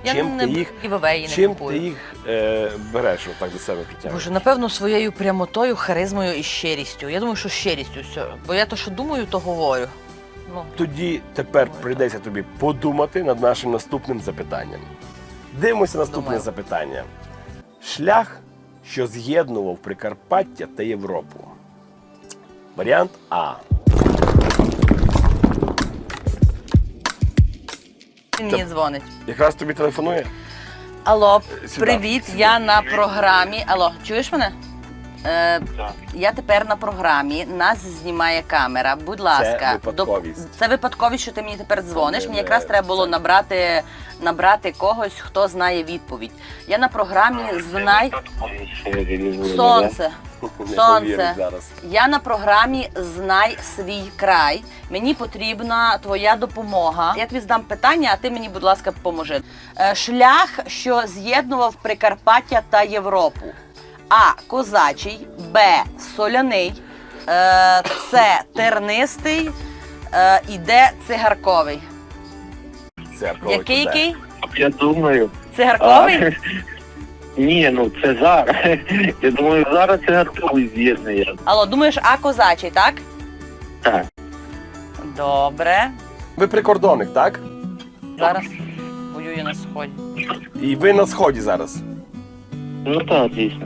Я Чим не ти їх, гівевеї не чим купую. ти їх береш отак до себе притягуєш? Боже, напевно, своєю прямотою, харизмою і щирістю. Я думаю, що щирістю все. Бо я то, що думаю, то говорю. Ну, Тоді тепер прийдеться тобі подумати над нашим наступним запитанням. Дивимося наступне Думаю. запитання. Шлях, що з'єднував Прикарпаття та Європу. Варіант А. він мені дзвонить. Якраз тобі телефонує? Алло, Сюди. привіт, я на програмі. Алло, чуєш мене? Я тепер на програмі, нас знімає камера. Будь ласка, випадковість. Це випадковість, що ти мені тепер дзвониш. Мені якраз Це- треба було набрати когось, хто знає відповідь. Я на програмі Знай Сонце. Не Сонце. повіриш зараз. Я на програмі Знай свій край. Мені потрібна твоя допомога. Я тобі здам питання, а ти мені, будь ласка, поможи. Шлях, що з'єднував Прикарпаття та Європу. А. Козачий, Б. Соляний, С. Тернистий і Д. Цигарковий. Це Який? Я думаю. Цигарковий? Ні, ну це зараз. Я думаю, зараз це готовий з'єднання. Алло, думаєш, А. Козачий, так? Так. Добре. Ви прикордонник, так? Зараз воюю на сході. І ви на сході зараз. Ну так, дійсно.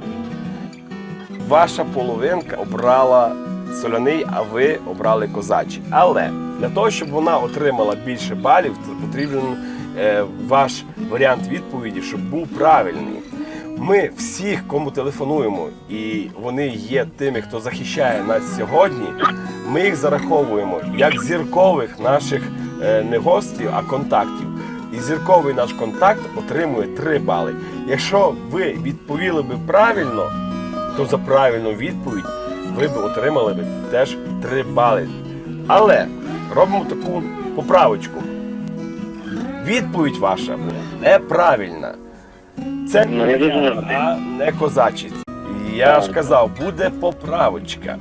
Ваша половинка обрала соляний, а ви обрали козачий. Але для того, щоб вона отримала більше балів, то потрібен ваш варіант відповіді, щоб був правильний. Ми всіх, кому телефонуємо, і вони є тими, хто захищає нас сьогодні, ми їх зараховуємо як зіркових наших не гостів, а контактів. І зірковий наш контакт отримує 3 бали. Якщо ви відповіли би правильно, то за правильну відповідь ви б отримали б теж 3 бали. Але робимо таку поправочку. Відповідь ваша неправильна. Це Ну, я дуже не радий. а не козачий. І я ж казав, буде поправочка.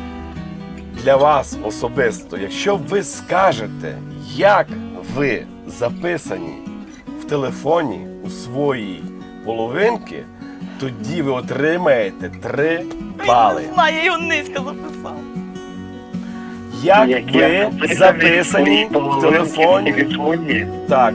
Для вас особисто, якщо ви скажете, як ви записані в телефоні у своїй половинки, тоді ви отримаєте 3 бали. Я його низько записав. Як ви записані в телефоні? Так.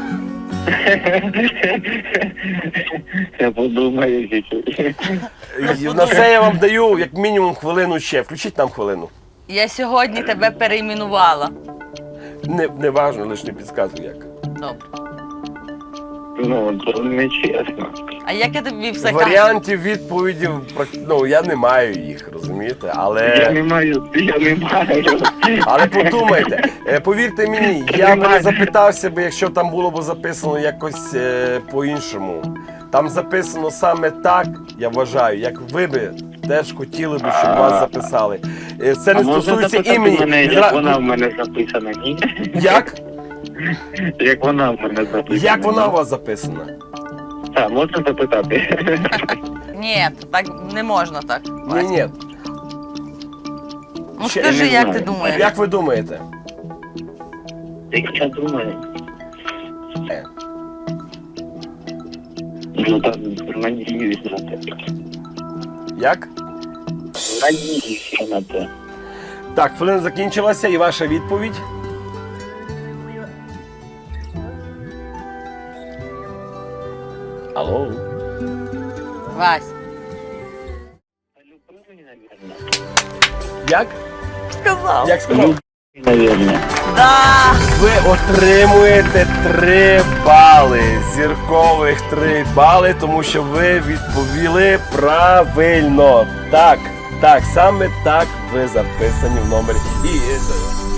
Я подумаю, І на це я вам даю як мінімум хвилину ще. Включіть нам хвилину. Я сьогодні тебе перейменувала. Не важно, лише не підказуй як. Добре. Ну, це не чесно. А як я тобі все кажу? Варіантів відповідів, ну, я не маю їх, розумієте? Я Але не маю. подумайте, повірте мені, я б не запитався би, якщо там було б записано якось по-іншому. Там записано саме так, я вважаю, як ви би теж хотіли би, щоб вас записали. Це не стосується імені. Як вона в мене записана, ні? Як? Як вона в мене записана. Як вона у вас записана? Так, можна запитати? Ні, так не можна так. Ні. Ну Ще скажи, не як знаю. ти думаєш? Як ви думаєте? Як я думаю. Ну так, надіюсь на те. Як? Надіюся на те. Так, хвилина закінчилася і ваша відповідь. Алло? Вась. Як? Сказав. Як сказав? Наверное. Да. Ви отримуєте 3 бали, зіркових 3 бали, тому що ви відповіли правильно. Так, саме так ви записані в номері. І